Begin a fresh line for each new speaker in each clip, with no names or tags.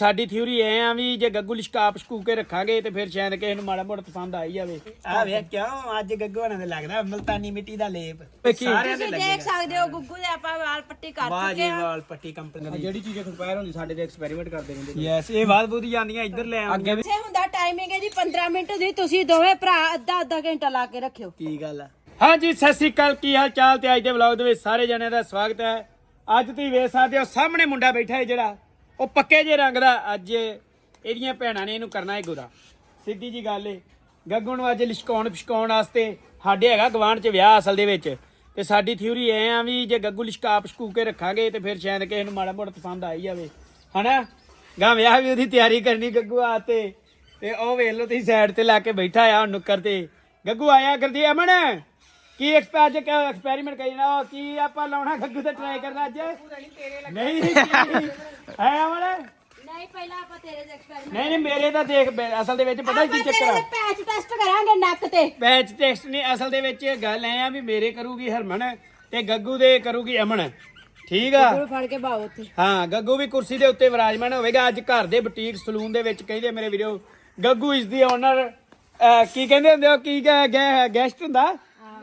ਸਾਡੀ ਥਿਊਰੀ ਐ ਆ ਵੀ ਜੇ ਗੱਗੂ ਲਿਸ਼ਕਾਪ ਸ਼ਕੂ ਕੇ ਰੱਖਾਂਗੇ ਤੇ ਫਿਰ ਸ਼ਾਇਦ ਕਿਸੇ ਨੂੰ ਮਾੜਾ ਮੋਟਾ ਪਸੰਦ ਆਈ ਜਾਵੇ। ਆ ਵੇਖ ਕਿਉਂ ਅੱਜ ਗੱਗੂ ਹਣਾ ਦੇ ਲੱਗਦਾ ਮਲਤਾਨੀ ਮਿੱਟੀ ਦਾ ਲੇਪ ਸਾਰਿਆਂ ਦੇ
ਤੁਸੀਂ ਦੇਖ ਸਕਦੇ ਹੋ ਗੁੱਗੂ ਦੇ ਆਪਾਂ ਵਾਲ ਪੱਟੀ ਕਰ ਚੁੱਕੇ ਆ।
ਵਾਲ ਪੱਟੀ ਕੰਪਨੀ
ਜਿਹੜੀ ਚੀਜ਼ ਐਕਸਪਾਇਰ ਹੁੰਦੀ ਸਾਡੇ ਤੇ ਐਕਸਪੈਰੀਮੈਂਟ ਕਰਦੇ ਰਹਿੰਦੇ।
ਯੈਸ ਇਹ ਬਾਤ ਬੂਦੀ ਜਾਂਦੀਆਂ ਇੱਧਰ ਲੈ ਆਉਂਦੀਆਂ।
ਇੱਥੇ ਹੁੰਦਾ ਟਾਈਮਿੰਗ ਹੈ ਜੀ 15 ਮਿੰਟ ਦੀ। ਤੁਸੀਂ ਦੋਵੇਂ ਭਰਾ ਅੱਧਾ ਘੰਟਾ ਲਾ ਕੇ ਰੱਖਿਓ।
ਕੀ ਗੱਲ ਆ? ਹਾਂਜੀ ਸਤਿ ਸ੍ਰੀ ਅਕਾਲ, ਕੀ ਹਾਲ ਚਾਲ? ਤੇ ਅੱਜ ਦੇ ਵਲੌਗ ਦੇ ਵਿੱਚ ਸਾਰੇ ਜਣਿਆਂ ਦਾ ਸਵਾਗਤ ਹੈ। ਅੱਜ ਤੁਸੀਂ ਵੇਖ ਸਕਦੇ ਹੋ ਸਾਹਮਣੇ ਮੁੰਡਾ ਬੈਠਾ ਹੈ ਜਿਹੜਾ ਉਹ ਪੱਕੇ ਜੇ ਰੰਗ ਦਾ। ਅੱਜ ਇਹਦੀਆਂ ਭੈਣਾਂ ਨੇ ਇਹਨੂੰ ਕਰਨਾ ਹੈ ਗੋਰਾ। ਸਿੱਧੀ ਜੀ ਗੱਲ ਏ। ਗੱਗੂ ਨੂੰ ਅੱਜ ਲਿਸ਼ਕਾਉਣ ਵਾਸਤੇ ਸਾਡੇ ਹੈਗਾ ਗਵਾਂਢ 'ਚ ਵਿਆਹ ਅਸਲ ਦੇ ਵਿੱਚ। ਤੇ ਸਾਡੀ ਥਿਊਰੀ ਐ ਆ ਵੀ ਜੇ ਗੱਗੂ ਲਿਸ਼ਕਾਪ ਸ਼ਕੂ ਕੇ ਰੱਖਾਂਗੇ ਤੇ ਫਿਰ ਸ਼ਾਇਦ ਕਿਸੇ ਨੂੰ ਮਾੜਾ ਮੋਟਾ ਪਸੰਦ ਆਈ ਜਾਵੇ, ਹਨਾ। ਗਾਂ ਵਿਆਹ ਵੀ ਉਹਦੀ ਤਿਆਰੀ ਕਰਨੀ ਗੱਗੂ ਆ ਤੇ ਉਹ ਵੇਖ ਲਓ ਤੁਸੀਂ ਸਾਈਡ ਤੇ ਲਾ ਕੇ ਬੈਠਾ ਆ ਨੁੱਕਰ ਤੇ। ਗੱਗੂ ਆਇਆ ਕਰਦੀ ਅਮਨ ਕੀ ਐਕਸਪੈਰੀਮੈਂਟ ਕਰਨਾ, ਕੀ ਆਪਾਂ ਲਾਉਣਾ ਗੱਗੂ ਤੇ ਟਰਾਈ ਕਰਨਾ ਅੱਜ? ਨਹੀਂ ਹੈ ਅਮਨ?
ਨਹੀਂ ਪਹਿਲਾਂ ਆਪਾਂ ਤੇਰੇ ਦੇ ਐਕਸਪੈਰੀਮੈਂਟ
ਨਹੀਂ ਮੇਰੇ ਤਾਂ ਦੇਖ ਅਸਲ ਦੇ ਵਿੱਚ ਪਤਾ ਕੀ ਚੱਕਰ ਆ।
ਪੈਚ ਟੈਸਟ ਕਰਾਂਗੇ ਨੱਕ ਤੇ।
ਪੈਚ ਟੈਸਟ ਨਹੀਂ, ਅਸਲ ਦੇ ਵਿੱਚ ਗੱਲ ਐ ਆ ਵੀ ਮੇਰੇ ਕਰੂਗੀ ਹਰਮਨ ਤੇ ਗੱਗੂ ਦੇ ਕਰੂਗੀ ਅਮਨ, ਠੀਕ ਆ।
ਗੁੱਗੂ ਫੜ ਕੇ ਬਾਓ ਉੱਥੇ।
ਹਾਂ ਗੱਗੂ ਵੀ ਕੁਰਸੀ ਦੇ ਉੱਤੇ ਵਿਰਾਜਮਾਨ ਹੋਵੇਗਾ ਅੱਜ ਘਰ ਦੇ ਬੁਟੀਕ ਸਲੂਨ ਦੇ ਵਿੱਚ। ਕਹਿੰਦੇ ਮੇਰੇ video Gaggu is the owner, ਕੀ ਕਹਿੰਦੇ ਹੁੰਦੇ ਹੋ, ਕੀ ਗੈਸਟ ਹੁੰਦਾ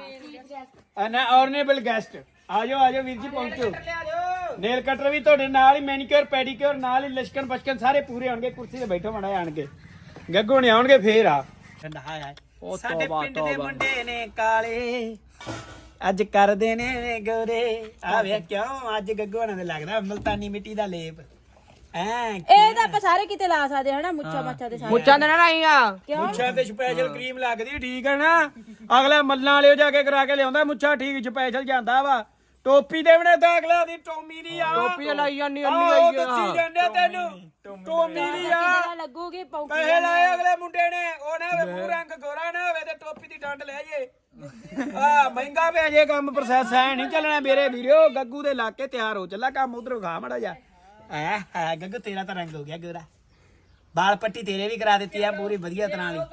ਨਾ, ਆਨਰੇਬਲ ਗੈਸਟ। ਆਜੋ ਵੀਰ ਜੀ ਪਹੁੰਚੋ। ਨੇਲ ਕਟਰ ਵੀ ਤੁਹਾਡੇ ਨਾਲ ਹੀ, ਮੈਨੀਕਿਉਰ ਪੈਡੀਕਿਉਰ ਨਾਲ ਹੀ, ਲਸ਼ਕਣ ਬਸ਼ਕਣ ਸਾਰੇ ਪੂਰੇ ਹੋਣਗੇ। ਕੁਰਸੀ ਤੇ ਬੈਠੋ ਮਾੜਾ ਆਣਗੇ, ਗੱਗੂ ਨੇ ਆਉਣਗੇ ਫੇਰ ਆ। ਸਾਡੇ ਪਿੰਡ ਦੇ ਮੁੰਡੇ ਨੇ ਕਾਲੇ ਅੱਜ ਕਰਦੇ ਨੇ ਗੋਰੇ। ਆ ਵੇਖ ਕਿਉਂ ਅੱਜ ਗੱਗੂ ਹਣਾ ਦੇ ਲੱਗਦਾ ਮਲਤਾਨੀ ਮਿੱਟੀ ਦਾ ਲੇਪ।
ਇਹ ਤਾਂ ਆਪਾਂ ਸਾਰੇ ਕਿਤੇ ਲਾ ਸਕਦੇ ਹਨਾ। ਮੁੱਛਾਂ ਦੇ ਸਾਰੇ
ਮੁੱਛਾਂ ਦੇ ਨਾ ਲਾਈਆਂ,
ਮੁੱਛਾਂ ਤੇ ਸਪੈਸ਼ਲ ਕਰੀਮ ਲੱਗਦੀ, ਠੀਕ ਹੈ ਨਾ। ਅਗਲਾ ਮੱਲਾਂ ਵਾਲੇ ਜਾ ਕੇ ਕਰਾ ਕੇ ਲਿਆਉਂਦਾ ਮੁੱਛਾਂ, ਠੀਕ ਸਪੈਸ਼ਲ ਜਾਂਦਾ ਵਾ। ਟੋਪੀ ਦੇ ਬਣੇ ਤਾਂ ਅਗਲਾ ਦੀ ਟੋਮੀ ਦੀ ਆ,
ਟੋਪੀ ਲਾਈ ਜਾਂਦੀ
ਉਹ ਦੱਸੀ ਜਾਂਦੇ ਤੈਨੂੰ ਟੋਮੀ ਦੀ ਆ।
ਲੱਗੂਗੀ ਪੌਂਕੀ।
ਪੈਸੇ ਲਾਏ ਅਗਲੇ ਮੁੰਡੇ ਨੇ, ਉਹ ਨਾ ਹੋਵੇ ਮੂੰਹ ਰੰਗ ਗੋਰਾ ਨਾ ਹੋਵੇ ਤੇ ਟੋਪੀ ਦੀ ਡੰਡ ਲੈ ਜੇ। ਮਹਿੰਗਾ ਪੈ ਜੇ ਕੰਮ, ਪ੍ਰੋਸੈਸ ਐ ਨਹੀਂ ਚੱਲਣਾ ਮੇਰੇ ਵੀਰੋ। ਗੱਗੂ ਦੇ ਲਾ ਕੇ ਤਿਆਰ ਹੋ ਚੱਲਾ ਕੰਮ, ਉਧਰੋਂ ਖਾ ਮੜਾ ਜਾ। ਗੱਗੂ ਤੇਰਾ ਤਾਂ ਰੰਗ ਹੋ ਗਿਆ ਗੋਰਾ, ਬਾਲ ਪੱਟੀ ਤੇਰੇ ਵੀ ਕਰਾ ਦਿੱਤੀ ਆ ਪੂਰੀ ਵਧੀਆ ਤਰ੍ਹਾਂ ਦੀ।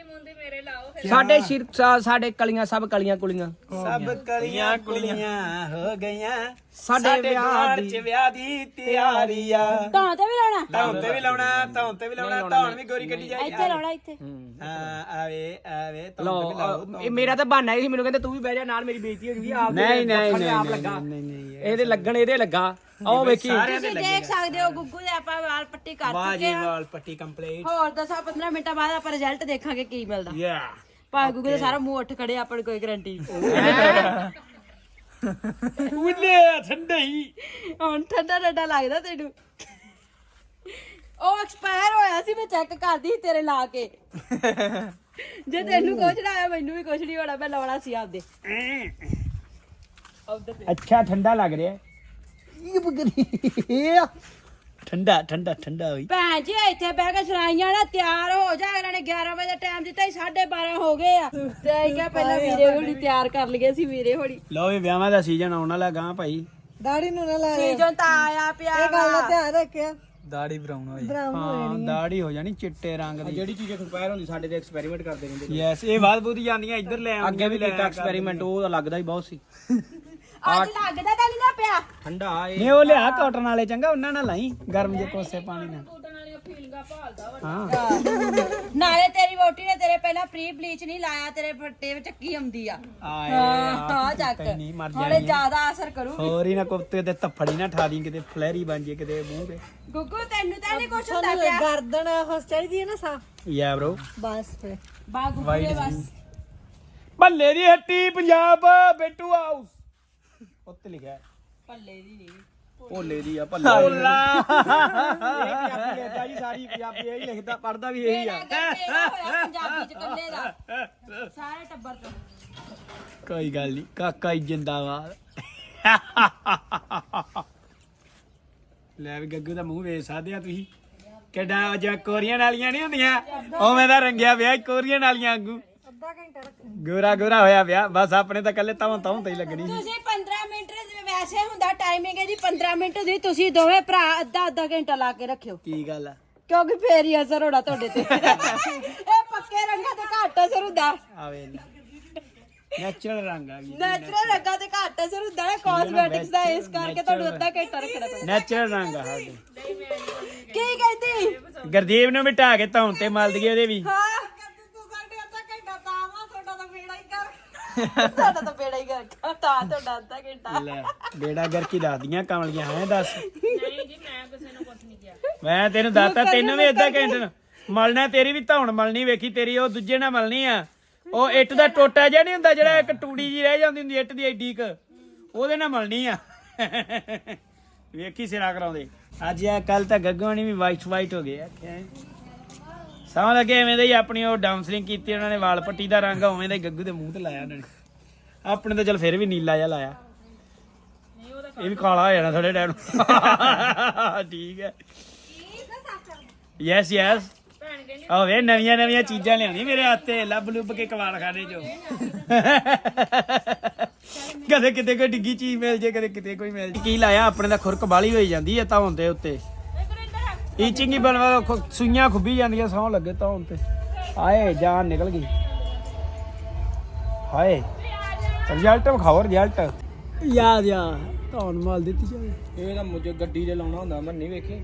ਸਾਡੇ ਸਿਰ ਸਾਡੇ ਕਲੀਆਂ ਸਭ ਕਲੀਆਂ ਕੁਲੀਆਂ
ਸਭ ਕਲੀਆਂ ਕੁਲੀਆਂ ਹੋ ਗਈਆਂ
ਸਾਡੇ
ਵਿਆਹ ਦੀ ਤਿਆਰੀ ਆ।
ਤਾਂ ਤੇ ਵੀ ਲਾਉਣਾ,
ਧੌਣ ਤੇ ਵੀ ਲਾਉਣਾ, ਧੌਣ ਵੀ ਗੋਰੀ ਕੱਢੀ ਜਾਈ।
ਇੱਥੇ ਲਾਉਣਾ ਇੱਥੇ।
ਹਾਂ ਆਵੇ
ਲੋ ਇਹ ਮੇਰਾ ਤਾਂ ਬਹਾਨਾ ਹੀ ਸੀ, ਮੈਨੂੰ ਕਹਿੰਦੇ ਤੂੰ ਵੀ ਬਹਿ ਜਾ ਨਾਲ, ਮੇਰੀ ਬੇਇੱਜ਼ਤੀ ਹੋ ਜੂਗੀ। ਆਪ ਆਪ ਲੱਗਾ ਇਹਦੇ ਲੱਗਣ, ਇਹਦੇ ਲੱਗਾ। ਆਹ ਵੇਖੀ
ਤੁਸੀਂ ਦੇਖ ਸਕਦੇ ਹੋ ਗੁੱਗੂ ਦੇ ਆਪਾਂ ਵਾਲ ਪੱਟੀ ਕਰ ਚੁੱਕੇ ਆ।
ਵਾਲ ਪੱਟੀ ਕੰਪਲੀਟ।
ਹੋਰ 10-15 ਮਿੰਟਾਂ ਬਾਅਦ ਆਪਾਂ ਰਿਜ਼ਲਟ ਦੇਖਾਂਗੇ ਕੀ ਮਿਲਦਾ।
ਯਾ
ਭਾਵੇਂ ਗੁੱਗੂ ਦਾ ਸਾਰਾ ਮੂੰਹ ਉੱਠ ਖੜੇ, ਆਪਾਂ ਨੂੰ ਕੋਈ ਗਾਰੰਟੀ
ਉਲੇ ਠੰਡਾ ਹੀ
ਹੁਣ ਠੰਡਾ ਲੱਗਦਾ ਤੈਨੂੰ। ਉਹ ਐਕਸਪਾਇਰ ਹੋਇਆ ਸੀ, ਮੈਂ ਚੈੱਕ ਕਰਦੀ ਸੀ ਤੇਰੇ ਲਾ ਕੇ। ਜੇ ਤੈਨੂੰ ਕੁਛ ਨਾ ਆਇਆ ਮੈਨੂੰ ਵੀ ਕੁਛ ਨਹੀਂ ਹੋਣਾ, ਮੈਂ ਲਾਉਣਾ ਸੀ ਆਪਦੇ।
ਅੱਛਾ ਠੰਡਾ ਲੱਗ ਰਿਹਾ। ਠੰਡਾ ਹੋਈ।
ਭੈਣ ਜੀ ਇੱਥੇ ਬਹਿ ਕੇ ਸੁਣਾਈਆਂ ਨਾ, ਤਿਆਰ ਹੋ ਜਾ। ਇਹਨਾਂ ਨੇ 11 ਵਜੇ ਟਾਈਮ ਦਿੱਤਾ, 12:30 ਹੋ ਗਏ ਆ। ਤੇ ਕਿਹਾ ਪਹਿਲਾਂ ਵੀਰੇ ਹੋਣੀ ਤਿਆਰ ਕਰ ਲਈਏ ਸੀ। ਵੀਰੇ ਹੋਣੀ
ਲਓ ਵੀ ਵਿਆਹਾਂ ਦਾ ਸੀਜ਼ਨ ਆਉਣ ਵਾਲਾ ਗਾਂ ਭਾਈ।
ਦਾੜੀ ਨੂੰ ਨਾ ਲਾ,
ਸੀਜ਼ਨ ਤਾਂ ਆਇਆ ਪਿਆ।
ਇਹ ਗੱਲ ਦਾ ਧਿਆਨ ਰੱਖਿਆ।
ਦਾੜੀ ਬਰਾਊਨ ਹੋ ਜਾਣੀ। ਹਾਂ ਦਾੜੀ ਹੋ ਜਾਣੀ ਚਿੱਟੇ ਰੰਗ ਦੀ।
ਜਿਹੜੀ ਚੀਜ਼ ਐਕਸਪਾਇਰ ਹੁੰਦੀ ਸਾਡੇ ਤੇ ਐਕਸਪੈਰੀਮੈਂਟ ਕਰਦੇ ਰਹਿੰਦੇ।
ਯੈਸ ਇਹ ਬਾਤ ਬੂਦੀ ਜਾਂਦੀਆਂ ਇੱਧਰ ਲੈ ਆਉਂਦੀਆਂ।
ਅੱਗੇ ਵੀ ਕੀਤਾ ਐਕਸਪੈਰੀਮੈਂਟ, ਉਹ ਤਾਂ ਲੱਗਦਾ ਹੀ ਬਹੁਤ ਸੀ।
ਅੱਜ ਲੱਗਦਾ ਤਾਂ ਨਹੀਂ ਨਾ ਪਿਆ।
ਠੰਡਾ
ਨਹੀਂ ਉਹ ਲਿਆ ਕਾਟਨ ਵਾਲੇ, ਚੰਗਾ ਉਹਨਾਂ ਨਾਲ ਲਾਈ ਗਰਮ ਜੇ ਕੋਸੇ ਪਾਣੀ ਨਾਲ।
ਨਾਲੇ ਤੇਰੀ ਵੋਟੀ ਨੇ ਤੇਰੇ ਪਹਿਲਾਂ ਪ੍ਰੀ ਬਲੀਚ ਨਹੀਂ ਲਾਇਆ, ਤੇਰੇ ਫੱਟੇ ਵਿੱਚ ਚੱਕੀ ਆਉਂਦੀ ਆ। ਹਾਂ ਚੱਕ ਹੁਣੇ ਜ਼ਿਆਦਾ ਅਸਰ ਕਰੂ।
ਹੋਰ ਹੀ ਨਾ ਕੁੱਤੇ ਤੇ ਥੱਫੜੀ ਨਾ ਠਾ ਦੀ, ਕਿਤੇ ਫਲੈਰੀ ਬਣ ਜੇ ਕਿਤੇ ਮੂੰਹ ਤੇ।
ਗੁੱਗੂ ਤੈਨੂੰ ਤਾਂ ਨਹੀਂ ਕੁਛ ਹੁੰਦਾ ਪਿਆ।
ਗਰਦਨ ਹਸ ਚਾਹੀਦੀ ਹੈ ਨਾ ਸਾ,
ਯਾ ਬ్రో
ਬਸ ਫਿਰ
ਬਾ ਗੁੱਗੂ ਦੇ ਬਸ।
ਭੱਲੇ ਦੀ ਹੱਟੀ ਪੰਜਾਬ ਬੇਟੂ ਹਾਊਸ ਉੱਤੇ ਲਿਖਿਆ।
ਭੱਲੇ ਦੀ ਨਹੀਂ,
ਭੋਲੇ ਦੀ ਆ, ਭੱਲਾ
ਇਹ ਪੰਜਾਬੀ ਲਿਖਦਾ ਜੀ, ਸਾਰੀ ਪੰਜਾਬੀ ਇਹੀ ਲਿਖਦਾ, ਪੜਦਾ ਵੀ ਇਹੀ ਆ।
ਪੰਜਾਬੀ ਚ ਕੱਲੇ ਦਾ ਸਾਰੇ ਟੱਬਰ ਤੋਂ।
ਕੋਈ ਗੱਲ ਨਹੀਂ, ਕਾਕਾ ਹੀ ਜਿੰਦਾਬਾਦ। ਲੈ ਵੀ ਗੱਗੂ ਦਾ ਮੂੰਹ ਵੇਖ ਸਕਦੇ ਆ ਤੁਸੀਂ, ਕਿੱਡਾ ਜਿਹਾ ਕੋਰੀਅਨ ਵਾਲੀਆਂ ਨਹੀਂ ਹੁੰਦੀਆਂ ਉਵੇਂ ਦਾ ਰੰਗਿਆ ਵਿਆਹ ਕੋਰੀਅਨ ਵਾਲੀਆਂ ਵਾਂਗੂ। ਗੋਰਾ ਹੋਇਆ ਵਿਆਹ, ਬਸ ਆਪਣੇ ਤਾਂ ਕੱਲੇ ਤਾਂ ਤੇ ਹੀ ਲੱਗਣੀ।
ਤੁਸੀਂ 15 ਮਿੰਟ ਵੈਸੇ ਹੁੰਦਾ ਟਾਈਮਿੰਗ ਹੈ ਜੀ 15 ਮਿੰਟ ਦੀ। ਤੁਸੀਂ ਦੋਵੇਂ ਭਰਾ ਅੱਧਾ ਘੰਟਾ ਲਾ ਕੇ ਰੱਖਿਓ।
ਕੀ ਗੱਲ ਆ?
ਕਿਉਂਕਿ ਫੇਰ ਹੀ ਅਸਰ ਹੋਣਾ ਤੁਹਾਡੇ ਤੇ। ਇਹ ਪੱਕੇ ਰੰਗਾਂ ਤੇ ਘੱਟ ਅਸਰ ਹੁੰਦਾ।
ਆਵੇ ਨੈਚੁਰਲ ਰੰਗ ਆ ਗਈ
ਨੈਚੁਰਲ ਰੰਗਾਂ ਤੇ ਘੱਟ ਅਸਰ ਹੁੰਦਾ ਹੈ ਕਾਸਮੈਟਿਕਸ ਦਾ, ਇਸ ਕਰਕੇ ਤੁਹਾਨੂੰ ਅੱਧਾ ਘੰਟਾ ਰੱਖਣਾ ਪੈਂਦਾ।
ਨੈਚੁਰਲ ਰੰਗ ਆ ਸਾਡੇ
ਕੀ ਕਹਿੰਦੀ?
ਗੁਰਦੀਪ ਨੂੰ ਵੀ ਢਾ ਕੇ ਧੌਣ ਤੇ ਮਲ ਦਈਏ ਉਹਦੇ ਵੀ।
ਹਾਂ ਤੂੰ ਸਾਡੇ ਅੱਧਾ ਘੰਟਾ ਤਾਂ ਵਾ, ਤੁਹਾਡਾ ਤਾਂ ਬੇੜਾ ਹੀ ਕਰ ਤੁਹਾਡਾ ਤਾਂ ਬੇੜਾ ਹੀ ਕਰ ਤਾਂ ਤੁਹਾਡਾ ਅੱਧਾ ਘੰਟਾ।
ਲੈ ਬੇੜਾ ਗਰਕੀ ਦੱਸਦੀਆਂ ਕਮਲੀਆਂ ਹੈ ਦੱਸ।
ਨਹੀਂ ਜੀ ਮੈਂ ਕਿਸੇ ਨੂੰ ਕੁਝ ਨਹੀਂ ਕਿਹਾ।
ਮੈਂ ਤੈਨੂੰ ਦੱਸਤਾ ਤੈਨੂੰ ਵੀ ਅੱਧਾ ਘੰਟਾ ਮਲਣਾ, ਤੇਰੀ ਵੀ ਧੌਣ ਮਲਣੀ ਵੇਖੀ, ਤੇਰੀ ਉਹ ਦੂਜੇ ਨਾਲ ਮਲਣੀ ਆ। ਉਹ ਇੱਟ ਦਾ ਟੋਟਾ ਜਿਹਾ ਨਹੀਂ ਹੁੰਦਾ ਜਿਹੜਾ ਇੱਕ ਟੂੜੀ ਜੀ ਰਹਿ ਜਾਂਦੀ ਹੁੰਦੀ ਇੱਟ ਦੀ ਐਡੀ ਕ, ਉਹਦੇ ਨਾਲ ਮਲਣੀ ਆ। ਵੇਖੀ ਸਿਰਾ ਕਰਾਉਂਦੇ ਅੱਜ ਆ ਕੱਲ ਤਾਂ ਗੱਗੋਣੀ ਵੀ ਵਾਈਟ ਹੋ ਗਏ ਆ। ਸਮਝ ਲੱਗੇ ਐਵੇਂ ਦਾ ਹੀ ਆਪਣੀ ਉਹ ਡਾਊਨਸਲਿੰਗ ਕੀਤੀ ਉਹਨਾਂ ਨੇ, ਵਾਲ ਪੱਟੀ ਦਾ ਰੰਗ ਉਵੇਂ ਦਾ ਹੀ ਗੱਗੂ ਦੇ ਮੂੰਹ ਤੇ ਲਾਇਆ ਉਹਨਾਂ ਨੇ। ਆਪਣੇ ਤਾਂ ਚਲ ਫਿਰ ਵੀ ਨੀਲਾ ਜਿਹਾ ਲਾਇਆ, ਇਹ ਵੀ ਕਾਲਾ ਹੋ ਜਾਣਾ ਥੋੜੇ ਟਾਈਮ। ਠੀਕ ਹੈ ਯੈਸ ਯੈਸ। ਆਹ ਵੇ ਨਵੀਆਂ ਚੀਜ਼ਾਂ ਲਿਆਉਂਦੀ ਮੇਰੇ ਹੱਥੇ, ਲੱਭ ਲੁੱਭ ਕੇ ਕਵਾਲ ਖਾਣੇ ਚੋਂ। ਕਦੇ ਕਿਤੇ ਕੋਈ ਡਿੱਗੀ ਚੀਜ਼ ਮਿਲ ਜੇ, ਕਦੇ ਕਿਤੇ ਕੋਈ ਮਿਲ ਜੇ। ਕੀ ਲਾਇਆ ਆਪਣੇ ਦਾ ਖੁਰਕ ਬਾਲੀ ਹੋਈ ਜਾਂਦੀ ਹੈ ਧੌਣ ਦੇ ਉੱਤੇ, ਈਚਿੰਗ ਹੀ ਬਣਵਾ, ਸੂਈਆਂ ਖੁੱਭੀ ਜਾਂਦੀਆਂ ਸੌਂ ਲੱਗੇ ਧੌਣ ਤੇ। ਹਾਏ ਜਾਨ ਨਿਕਲ ਗਈ, ਹਾਏ ਰਿਜ਼ਲਟ ਵਿਖਾਓ ਰਿਜ਼ਲਟ। ਯਾਦ ਆ ਧੌਣ ਮਾਲ ਦਿੱਤੀ ਜਾਵੇ।
ਇਹ ਤਾਂ ਮੁਝੇ ਗੱਡੀ ਦੇ ਲਾਉਣਾ ਹੁੰਦਾ, ਮੈਂ ਨਹੀਂ ਵੇਖੇ।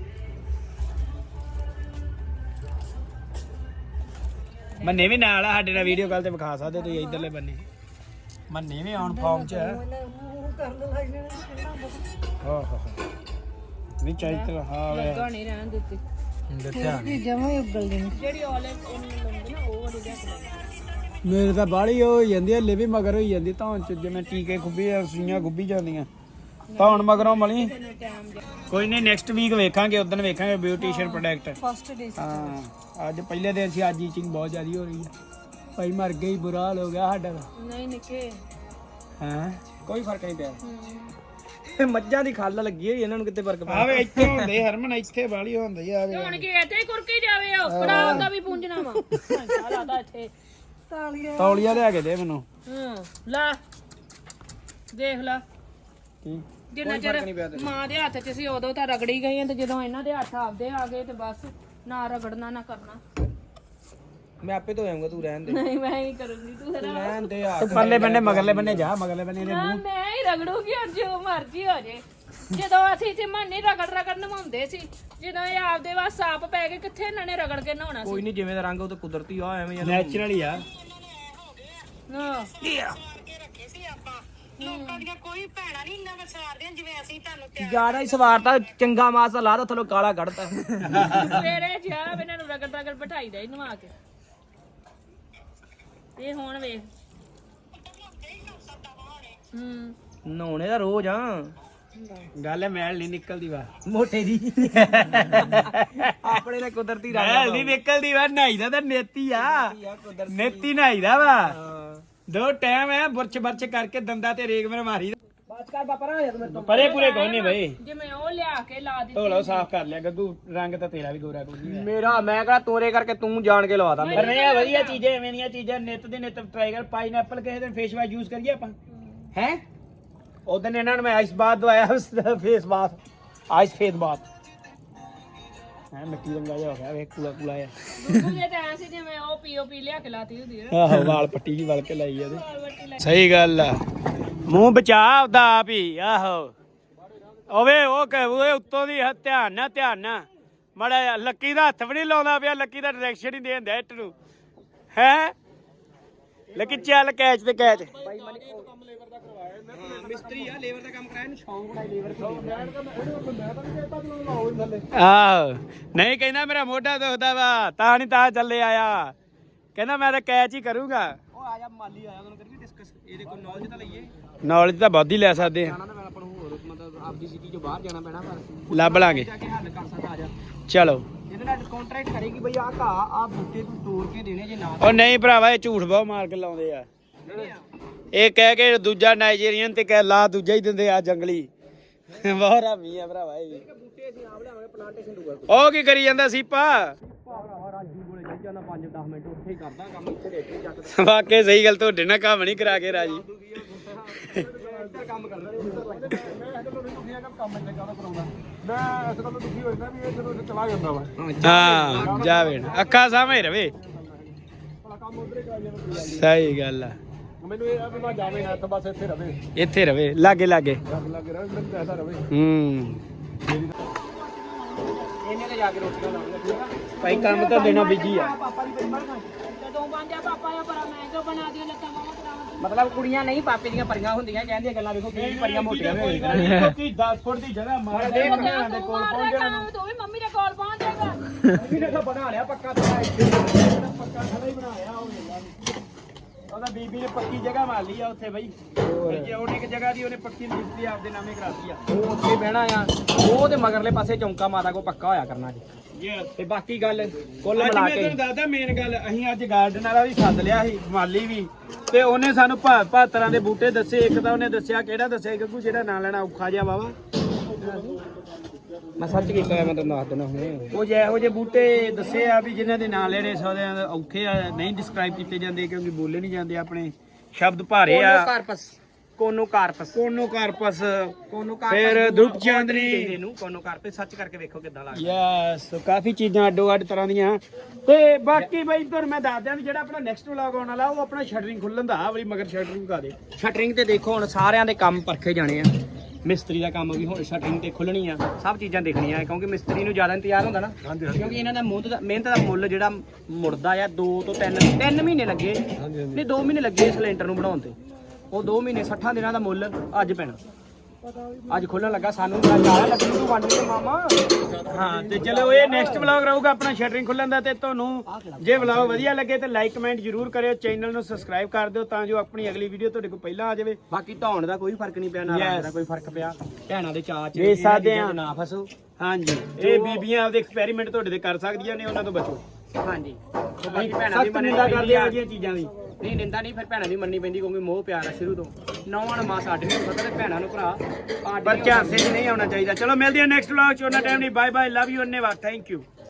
ਮੰਨੇ ਵੀ ਨਾਲ ਆ ਸਾਡੇ ਨਾਲ, ਵੀਡੀਓ ਕਾਲ ਤੇ ਵਿਖਾ ਸਕਦੇ ਤੁਸੀਂ ਇਧਰਲੇ ਬੰਨੇ। ਮੰਨੇ ਵੀ ਆਨ ਫਾਰਮ ਚ ਹੈ। ਨਹੀਂ ਚਾਹੀਦਾ ਹਾਂ ਵੇ
ਨਹੀਂ ਰਹਿਣ ਦਿੱਤੀ
ਦੱਸਿਆ
ਜਮਾ ਹੀ ਉੱਗਲ ਗਈ।
ਜਿਹੜੀ ਆਲਿਵ ਉਹਨੂੰ ਲਾਉਂਦੇ ਨਾ ਉਹ ਵਾਲੀ ਲਿਆ।
ਮੇਰੇ ਤਾਂ ਬਾਹਲੀ ਹੋ ਜਾਂਦੀ ਹੈ, ਲਿਵੀ ਮਗਰ ਹੋਈ ਜਾਂਦੀ ਧੌਣ ਚ, ਜਿਵੇਂ ਟੀਕੇ ਖੁੱਬੀ ਆ, ਸੂਈਆਂ ਖੁੱਬੀ ਜਾਂਦੀਆਂ ਧੌਣ ਮਗਰੋਂ ਮਲੀ। ਕੋਈ ਨਹੀਂ ਨੈਕਸਟ ਵੀਕ ਵੇਖਾਂਗੇ, ਉਦੋਂ ਵੇਖਾਂਗੇ ਬਿਊਟੀਸ਼ੀਅਨ ਪ੍ਰੋਡਕਟ।
ਫਸਟ ਡੇ
ਹਾਂ ਅੱਜ ਪਹਿਲੇ ਦਿਨ ਸੀ, ਅੱਜ ਈਚਿੰਗ ਬਹੁਤ ਜ਼ਿਆਦਾ ਹੋ ਰਹੀ ਹੈ ਭਾਈ, ਮਰ ਗਈ, ਬੁਰਾ ਹਾਲ ਹੋ ਗਿਆ ਸਾਡਾ।
ਨਹੀਂ ਨਿੱਕੇ
ਹਾਂ
ਕੋਈ ਫਰਕ ਨਹੀਂ ਪਿਆ। ਮੱਝਾਂ ਦੀ ਖੱਲ ਲੱਗੀ ਹੋਈ, ਇਹਨਾਂ ਨੂੰ ਕਿਤੇ ਫਰਕ ਪਿਆ।
ਆਵੇ ਇੱਥੇ ਹੁੰਦੇ ਹਰਮਨ, ਇੱਥੇ ਬਾਲੀ ਹੁੰਦੀ ਆ।
ਹੁਣ ਕੀ ਇੱਥੇ ਹੀ ਕੁਰਕੀ ਜਾਵੇ, ਉਹ ਬੜਾ ਉਹਦਾ ਵੀ ਪੁੰਜਣਾ ਵਾ। ਲਾਦਾ ਇੱਥੇ
ਤੌਲੀਆ ਲਿਆ ਕੇ ਦੇ ਮੈਨੂੰ।
ਲਾ ਦੇਖ ਲਾ
ਕੀ
ਜਿੰਨਾ ਚਿਰ ਮਾਂ ਦੇ ਹੱਥ 'ਚ ਸੀ ਉਦੋਂ ਤਾਂ ਰਗੜੀ ਗਈ, ਤੇ ਜਦੋਂ ਇਹਨਾਂ ਦੇ ਹੱਥ ਆਪਦੇ ਆ ਗਏ ਤੇ ਬਸ ਨਾ ਰਗੜਨਾ ਨਾ ਕਰਨਾ।
ਮੈਂ ਆਪੇ ਧੋ ਜਾਊਂਗਾ, ਤੂੰ ਰਹਿਣ ਦੇ।
ਨਹੀਂ ਮੈਂ ਹੀ ਕਰੂੰਗੀ, ਤੂੰ
ਰਹਿਣ ਦੇ ਆ।
ਤੂੰ ਪਰਲੇ ਬੰਨੇ ਮਗਰਲੇ ਬੰਨੇ ਜਾ, ਮਗਰਲੇ ਬੰਨੇ ਦੇ
ਨਾ ਮੈਂ ਹੀ ਰਗੜੂਗੀ, ਔਰ ਜੋ ਮਰਜ਼ੀ ਹੋ ਜੇ। ਜਦੋਂ ਅਸੀਂ ਚਮਨ ਨਹੀਂ ਰਗੜ ਨਵਾਉਂਦੇ ਸੀ, ਜਦੋਂ ਇਹ ਆਪਦੇ ਵਾਸ ਸਾਪ ਪੈ ਗਏ, ਕਿੱਥੇ ਇਹਨਾਂ ਨੇ ਰਗੜ ਕੇ ਨਹਾਉਣਾ ਸੀ।
ਕੋਈ ਨਹੀਂ, ਜਿਵੇਂ ਦਾ ਰੰਗ ਉਹ ਤਾਂ ਕੁਦਰਤੀ ਆ, ਐਵੇਂ
ਨੈਚੁਰਲ ਹੀ ਆ।
ਹਾਂ
ਜਿਆਦਾ ਹੀ ਸਵਾਰਤਾ, ਚੰਗਾ ਮਾਸ ਲਾ ਦੋ, ਥੱਲੋਂ ਕਾਲਾ ਕੱਢਤਾ।
ਸਵੇਰੇ ਜਾ ਇਹਨਾਂ ਨੂੰ ਰਗੜ ਬਿਠਾਈ ਦੇ ਨਵਾ ਕੇ। ਇਹ ਹੁਣ ਵੇਖ
ਨਹਾਉਣੇ ਦਾ ਰੋਜ਼ ਆ।
ਗੱਲ ਮੈਲ ਨਹੀਂ ਨਿਕਲਦੀ ਵਾ
ਮੋਟੇ ਦੀ ਆਪਣੇ ਨਾਲ ਕੁਦਰਤੀ ਰੰਗ
ਮੈਲ ਨਹੀਂ ਨਿਕਲਦੀ ਵਾ, ਨਹਾਈਦਾ ਤਾਂ ਨੇਤੀ ਆ, ਨੇਤੀ ਨਹਾਈਦਾ ਵਾ। ਦੋ ਟਾਈਮ ਹੈ ਬੁਰਚ ਕਰਕੇ ਦੰਦਾਂ ਤੇ ਰੇਗ ਮੇਰੇ ਮਾਰੀ।
ਬਾਤ ਕਰ ਬਾਪਾ ਰਾ ਯਾਰ ਮੈਂ
ਪਰੇ ਪੂਰੇ ਕੋਈ ਨਹੀਂ ਬਈ,
ਜਿਵੇਂ ਉਹ ਲਿਆ ਕੇ ਲਾ ਦਿੱਤੀ।
ਧੋ ਲਓ ਸਾਫ਼ ਕਰ ਲਿਆ ਗੱਗੂ, ਰੰਗ ਤਾਂ ਤੇਰਾ ਵੀ ਗੋਰਾ ਕੋਈ ਨਹੀਂ।
ਮੇਰਾ ਮੈਂ ਕਿਹੜਾ ਤੋਰੇ ਕਰਕੇ ਤੂੰ ਜਾਣ ਕੇ ਲਵਾਦਾ।
ਪਰ ਨਹੀਂ ਆ ਵਧੀਆ ਚੀਜ਼ਾਂ, ਐਵੇਂ ਦੀਆਂ ਚੀਜ਼ਾਂ ਨਿੱਤ ਦੇ ਨਿੱਤ ਟਰਾਈ ਕਰ। ਪਾਈਨਐਪਲ ਕਿਸੇ ਦਿਨ ਫੇਸ ਵਾਸ਼ ਯੂਜ਼ ਕਰੀਏ ਆਪਾਂ ਹੈ। ਉਦੋਂ ਇਹਨਾਂ ਨੂੰ ਮੈਂ ਆਈਸ ਬਾਥ ਦਵਾਇਆ, face bath, ice face bath ਹੈ। ਮਿੱਟੀ ਰੰਗਾ ਜਿਹਾ ਹੋ ਗਿਆ, ਵੇਖ ਕੂਲਾ ਕੂਲਾ ਆ।
ਗੁੱਗੂ ਜੇ ਤਾਂ ਐਂ ਸੀ ਜਿਵੇਂ ਉਹ ਪੀਓਪੀ ਲਿਆ ਕੇ ਲਾਤੀ ਹੁੰਦੀ ਹੈ।
ਆਹੋ ਵਾਲ ਪੱਟੀ ਜੀ ਵਲ ਕੇ ਲਾਈ ਇਹਦੇ। ਸਹੀ ਗੱਲ ਆ, ਮੂੰਹ ਬਚਾ ਉਹਦਾ ਆਪ ਹੀ। ਆਹੋ ਓਵੇ ਉਹ ਕਹੇ ਉੱਤੋਂ ਦੀ ਧਿਆਨ ਨਾਲ ਮੜਾ ਲੱਕੀ ਦਾ ਹੱਥ ਵੀ ਨਹੀਂ ਲਾਉਂਦਾ ਪਿਆ, ਲੱਕੀ ਦਾ ਡਾਇਰੈਕਸ਼ਨ ਹੀ ਦੇਣ ਦਿਆ ਇੱਟ ਨੂੰ ਹੈ। ਲੱਕੀ ਚੱਲ ਕੈਚ ਤੇ ਕੈਚ।
ਮਿਸਤਰੀ ਆ, ਲੇਬਰ ਦਾ ਕੰਮ ਕਰਾਇਆ, ਇਹਨੂੰ ਸ਼ੌਂਕ ਬੜਾ ਲੇਬਰ
ਆਹੋ ਨਹੀਂ ਕਹਿੰਦਾ ਮੇਰਾ ਮੋਢਾ ਦੁਖਦਾ ਵਾ, ਤਾਂ ਨਹੀਂ ਤਾਂ ਚੱਲੇ ਆਇਆ, ਕਹਿੰਦਾ ਮੈਂ ਤਾਂ ਕੈਚ ਹੀ ਕਰੂੰਗਾ।
ਉਹ ਆ ਜਾ ਮਾਲੀ ਆਇਆ, ਉਹਨੂੰ ਕਰੀਏ ਡਿਸਕਸ, ਇਹਦੇ ਕੋਲ ਨੌਲੇਜ ਤਾਂ ਲਈਏ।
ਨੌਲੇਜ ਤਾਂ ਬਹੁਤ ਹੀ ਲੈ ਸਕਦੇ ਆ,
ਜਾਣਾ ਤਾਂ ਆਪਾਂ ਨੂੰ ਹੋਰ ਮਤਲਬ ਆਪਦੀ ਸਿਟੀ ਚੋਂ ਬਾਹਰ ਜਾਣਾ ਪੈਣਾ, ਪਰ
ਲੱਭ ਲਾਂਗੇ।
ਜਾ ਕੇ ਹੱਲ ਕਰ ਸਕਦਾ। ਆ ਜਾ
ਚਲੋ
ਇਹਦੇ ਨਾਲ ਕੰਟਰੈਕਟ ਕਰੇਗੀ ਬਈ, ਆਹ ਘਾਹ ਆ ਬੂਟੇ ਤੂੰ ਤੋੜ ਕੇ ਦੇਣੇ, ਜੇ ਨਾ
ਉਹ ਨਹੀਂ ਭਰਾਵਾ, ਇਹ ਝੂਠ ਬਹੁਤ ਮਾਰ ਕੇ ਲਾਉਂਦੇ ਆ। ਇਹ ਕਹਿ ਕੇ ਦੂਜਾ ਨਾਈਜੀਰੀਅਨ ਤੇ ਕਹਿ ਲਾ, ਦੂਜਾ ਹੀ ਦਿੰਦੇ ਆ ਜੰਗਲੀ। ਬਹੁਤ ਰਾਮੀ ਆ ਭਰਾਵਾ ਇਹ ਵੀ।
ਬੂਟੇ ਅਸੀਂ ਆਪ ਲਿਆਵਾਂਗੇ, ਪਲਾਂਟੇਸ਼ਨ ਦੂਗਾ।
ਉਹ ਕੀ ਕਰੀ ਜਾਂਦਾ ਸੀਪਾ?
ਭਰਾਵਾ ਰਾਜੂ ਕੋਲੇ ਜਾਈ ਜਾਣਾ 5-10 ਮਿੰਟ, ਉੱਥੇ ਹੀ ਕਰਦਾ ਕੰਮ, ਇੱਥੇ ਦੇਖ ਕੇ ਚੱਕ
ਵਾਕੇ ਸਹੀ ਗੱਲ, ਤੁਹਾਡੇ ਨਾਲ ਕੰਮ ਨਹੀਂ ਕਰਾ ਕੇ ਰਾਜੀ।
ਕੰਮ ਕਰਦਾ ਮੈਂ ਕੰਮ ਇੰਨਾ ਜ਼ਿਆਦਾ ਕਰਾਉਂਦਾ।
ਮੈਂ ਇਸ ਗੱਲ ਤੋਂ ਦੁਖੀ ਹੋ ਜਾਂਦਾ ਵੀ ਇਹ ਜਦੋਂ ਚਲਾ ਜਾਂਦਾ ਵਾ
ਹਾਂ ਜਾਵੇ ਅੱਖਾਂ ਸਾਹਮਣੇ ਰਵੇ। ਸਹੀ ਗੱਲ ਆ।
ਮੈਨੂੰ ਇਹ ਆ ਵੀ ਮੈਂ ਜਾਵੇ ਨਾ ਤਾਂ ਬਸ ਇੱਥੇ ਰਵੇ
ਇੱਥੇ ਰਵੇ ਲਾਗੇ ਲਾਗੇ
ਲੱਗ ਰਿਹਾ ਮੈਨੂੰ ਪੈਸਾ ਰਵੇ
ਇਹਨੇ ਤੇ ਜਾ ਕੇ ਰੋਟੀਆਂ ਲਾਉਣੀਆਂ ਠੀਕ ਆ
ਭਾਈ ਕੰਮ ਤਾਂ ਦੇਣਾ ਬਿਜੀ ਆ
ਪਾਪਾ ਦੀ ਬੜੀ ਬਣਾ
ਜਦੋਂ ਬਣ ਜਾ ਪਾਪਾ ਆ ਬੜਾ ਮੈਂ ਜੋ ਬਣਾ ਦਿਓ ਲੱਤਾਂ ਮਾਵਾ ਕਰਾਵਾਂ
ਮਤਲਬ ਕੁੜੀਆਂ ਨਹੀਂ ਪਾਪੇ ਦੀਆਂ ਪਰੀਆਂ ਹੁੰਦੀਆਂ ਕਹਿੰਦੀਆਂ ਗੱਲਾਂ ਵੇਖੋ ਕਿੰਨੀ ਪਰੀਆਂ ਮੋਟੀਆਂ ਵੀ ਹੋਈਆਂ
ਕੀ 10 ਫੁੱਟ ਦੀ ਜਗ੍ਹਾ ਮਾਰ
ਦੇਖ
ਦੇ ਕੋਲ ਪਹੁੰਚ ਜਾਣਾ ਤੂੰ ਵੀ ਮੰਮੀ ਦੇ ਕੋਲ ਪਹੁੰਚ ਜਾਏਗਾ
ਮੰਮੀ ਨੇ ਤਾਂ ਬਣਾ ਲਿਆ ਪੱਕਾ ਥੜਾ
ਪੱਕਾ ਥੜਾ ਹੀ ਬਣਾਇਆ ਉਹ ਉਹਦਾ ਬੀਬੀ ਨੇ ਪੱਕੀ ਜਗ੍ਹਾ ਮਾਰ ਲਈ ਆ ਉੱਥੇ ਬਈ ਜੇ ਉਹਨੇ ਇੱਕ ਜਗ੍ਹਾ ਦੀ ਉਹਨੇ ਪੱਕੀ ਲਿਖਤੀ ਆਪਦੇ ਨਾਮੇ ਕਰਾਤੀ ਆ
ਉਹ ਉੱਥੇ ਬਹਿਣਾ ਆ ਉਹ ਤੇ ਮਗਰਲੇ ਪਾਸੇ ਚੌਂਕਾ ਮਾਤਾ ਕੋ ਪੱਕਾ ਹੋਇਆ ਕਰਨਾ ਜੀ ਤੇ ਬਾਕੀ ਗੱਲ ਕੁੱਲ
ਅੱਜ
ਮਿਲਾ
ਮੈਂ
ਕੇ
ਤੁਹਾਨੂੰ ਦੱਸਦਾ ਮੇਨ ਗੱਲ ਅਸੀਂ ਅੱਜ ਗਾਰਡਨ ਵਾਲਾ ਵੀ ਸੱਦ ਲਿਆ ਸੀ ਮਾਲੀ ਵੀ ਤੇ ਉਹਨੇ ਸਾਨੂੰ ਭਾਅ ਤਰ੍ਹਾਂ ਦੇ ਬੂਟੇ ਦੱਸੇ ਇੱਕ ਤਾਂ ਉਹਨੇ ਦੱਸਿਆ ਕਿਹੜਾ ਦੱਸਿਆ ਗੱਗੂ ਜਿਹੜਾ ਨਾਂ ਲੈਣਾ ਔਖਾ ਜਿਹਾ ਵਾਵਾ
ਮੈਂ ਸੱਚ ਕੀਤਾ ਮੈਂ ਤੁਹਾਨੂੰ ਦੱਸ ਦੇਣਾ ਹੁਣੇ
ਉਹ ਜਿਹੋ ਜਿਹੇ ਬੂਟੇ ਦੱਸੇ ਆ ਵੀ ਜਿਨ੍ਹਾਂ ਦੇ ਨਾਂ ਲੈਣੇ ਸੌਦਿਆਂ ਦੇ ਔਖੇ ਆ ਨਹੀਂ ਡਿਸਕ੍ਰਾਈਬ ਕੀਤੇ ਜਾਂਦੇ ਕਿਉਂਕਿ ਬੋਲੇ ਨਹੀਂ ਜਾਂਦੇ ਆਪਣੇ ਸ਼ਬਦ ਭਾਰੇ ਆ
ਕੋਨੋਕਾਰਪਸ
ਫਿਰ ਧੁੱਪ ਚਾਂਦਨੀ
ਇਹਨੂੰ ਕੋਨੋਕਾਰਪਸ ਸੱਚ ਕਰਕੇ ਵੇਖੋ ਕਿੱਦਾਂ ਲੱਗਦਾ
ਯੈਸ ਕਾਫੀ ਚੀਜ਼ਾਂ ਅੱਡੋ ਅੱਡ ਤਰ੍ਹਾਂ ਦੀਆਂ ਤੇ ਬਾਕੀ ਬਈ ਤੁਹਾਨੂੰ ਮੈਂ ਦੱਸ ਦਿਆਂ ਵੀ ਜਿਹੜਾ ਆਪਣਾ ਨੈਕਸਟ ਵਲੌਗ ਆਉਣ ਵਾਲਾ ਉਹ ਆਪਣਾ ਸ਼ਟਰਿੰਗ ਖੁੱਲਣ ਦਾ ਆ ਵਾਲੀ ਮਗਰ ਸ਼ਟਰਿੰਗ ਕਾ ਦੇ
ਸ਼ਟਰਿੰਗ ਤੇ ਦੇਖੋ ਹੁਣ ਸਾਰਿਆਂ ਦੇ ਕੰਮ ਪਰਖੇ ਜਾਣੇ ਆ ਮਿਸਤਰੀ ਦਾ ਕੰਮ ਵੀ ਹੁਣ ਸ਼ਟਰਿੰਗ ਤੇ ਖੁੱਲਣੀ ਆ ਸਭ ਚੀਜ਼ਾਂ ਦੇਖਣੀਆਂ ਕਿਉਂਕਿ ਮਿਸਤਰੀ ਨੂੰ ਜ਼ਿਆਦਾ ਇੰਤਜ਼ਾਰ ਹੁੰਦਾ ਨਾ ਕਿਉਂਕਿ ਇਹਨਾਂ ਦਾ ਮਿਹਨਤ ਦਾ ਮੁੱਲ ਜਿਹੜਾ ਮੁੜਦਾ ਆ 2 ਤੋਂ 3 ਮਹੀਨੇ ਲੱਗੇ ਨਹੀਂ 2 ਮਹੀਨੇ ਲੱਗੇ ਸਿਲੰਡਰ ਨੂੰ ਬਣਾਉਣ ਤੇ ਉਹ 2 ਮਹੀਨੇ 60 ਦਿਨਾਂ ਦਾ ਮੁੱਲ ਅੱਜ ਪੈਣਾ ਅੱਜ ਖੁੱਲਣ ਲੱਗਾ ਸਾਨੂੰ ਜ਼ਿਆਦਾ ਲੱਗੀ ਤੂੰ ਵੰਡ ਦੇ ਮਾਮਾ
ਹਾਂ ਤੇ ਚਲੋ ਇਹ ਨੈਕਸਟ ਵਲੌਗ ਰਹੂਗਾ ਆਪਣਾ ਸ਼ਟਰਿੰਗ ਖੁੱਲਣ ਦਾ ਤੇ ਤੁਹਾਨੂੰ ਜੇ ਵਲੌਗ ਵਧੀਆ ਲੱਗੇ ਤੇ ਲਾਈਕ ਕਮੈਂਟ ਜ਼ਰੂਰ ਕਰਿਓ ਚੈਨਲ ਨੂੰ ਸਬਸਕ੍ਰਾਈਬ ਕਰ ਦਿਓ ਤਾਂ ਜੋ ਆਪਣੀ ਅਗਲੀ ਵੀਡੀਓ ਤੁਹਾਡੇ ਕੋਲ ਪਹਿਲਾਂ ਆ ਜਾਵੇ
ਬਾਕੀ ਧੌਣ ਦਾ ਕੋਈ ਫਰਕ ਨਹੀਂ ਪਿਆ ਨਾ ਰੰਗ ਦਾ ਕੋਈ ਫਰਕ ਪਿਆ ਭੈਣਾਂ ਦੇ ਚਾਅ ਚ
ਵੇਖ ਸਕਦੇ ਆ।
ਨਾ ਫਸੋ
ਹਾਂਜੀ ਇਹ ਬੀਬੀਆਂ ਆਪਦੇ ਐਕਸਪੈਰੀਮੈਂਟ ਤੁਹਾਡੇ ਤੇ ਕਰ ਸਕਦੀਆਂ ਨੇ ਉਹਨਾਂ ਤੋਂ ਬਚੋ
ਹਾਂਜੀ ਬਾਕੀ ਭੈਣਾਂ ਦੀ
ਸਖਤ ਨਿੰਦਾ ਕਰਦੇ ਆ ਜੀਆਂ ਚੀਜ਼ਾਂ ਦੀ
ਨਹੀਂ ਨਿੰਦਾ ਨਹੀਂ ਫਿਰ ਭੈਣਾਂ ਦੀ ਮੰਨਣੀ ਪੈਂਦੀ ਕਿਉਂਕਿ ਮੋਹ ਪਿਆਰ ਆ ਸ਼ੁਰੂ ਤੋਂ ਨੌਵਾਂ ਨੂੰ ਮਾਂ ਸਾਡੇ ਨੂੰ ਪਤਾ ਤੇ ਭੈਣਾਂ ਨੂੰ ਭਰਾ
ਪਰ ਝਾਂਸੇ 'ਚ ਨਹੀਂ ਆਉਣਾ ਚਾਹੀਦਾ ਚਲੋ ਮਿਲਦੇ ਹਾਂ ਨੈਕਸਟ ਵਲੌਗ 'ਚ ਉਹਨਾਂ ਟਾਈਮ ਨਹੀਂ ਬਾਏ ਬਾਏ ਲਵ ਯੂ ਅੰਨੇਵਾਦ ਥੈਂਕ ਯੂ